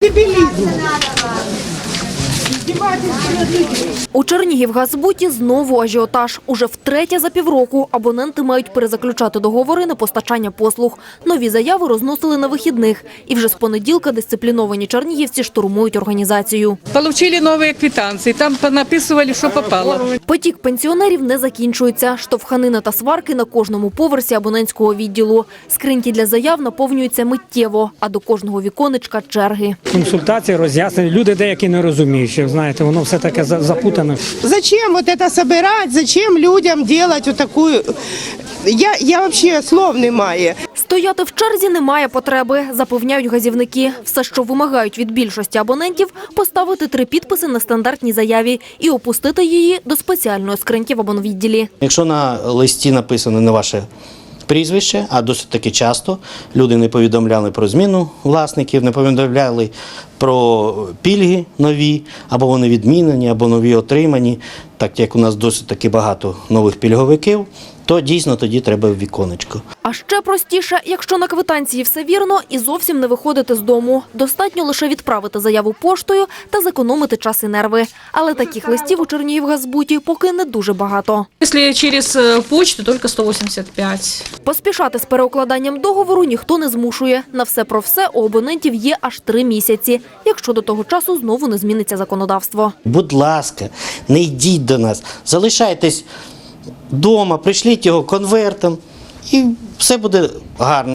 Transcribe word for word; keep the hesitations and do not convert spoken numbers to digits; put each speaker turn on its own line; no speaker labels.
У Чернігівгазбуті знову ажіотаж. Уже втретє за півроку абоненти мають перезаключати договори на постачання послуг. Нові заяви розносили на вихідних. І вже з понеділка дисципліновані чернігівці штурмують організацію.
Получили нові квитанції, там понаписували, що попало.
Потік пенсіонерів не закінчується. Штовханина та сварки на кожному поверсі абонентського відділу. Скриньки для заяв наповнюються миттєво, а до кожного віконечка – черги.
Консультації, роз'яснення. Люди деякі не розуміють, що, знаєте, воно все таке запутане.
Зачем вот это собирать? Зачем людям делать вот такую... Я, я вообще слов немає.
Стояти в черзі немає потреби, запевняють газівники. Все, що вимагають від більшості абонентів – поставити три підписи на стандартній заяві і опустити її до спеціальної скриньки в абонвідділі.
Якщо на листі написано не ваше прізвище, а досить таки часто люди не повідомляли про зміну власників, не повідомляли про пільги нові, або вони відмінені, або нові отримані, так як у нас досить таки багато нових пільговиків, то дійсно тоді треба в віконечко.
А ще простіше, якщо на квитанції все вірно і зовсім не виходити з дому. Достатньо лише відправити заяву поштою та зекономити час і нерви. Але таких листів у Чернігівгазбуті поки не дуже багато.
Якщо через почту, тільки сто вісімдесят п'ять.
Поспішати з переукладанням договору ніхто не змушує. На все про все у абонентів є аж три місяці, якщо до того часу знову не зміниться законодавство.
Будь ласка, не йдіть до нас, залишайтесь вдома, пришліть його конвертом і все буде гарно.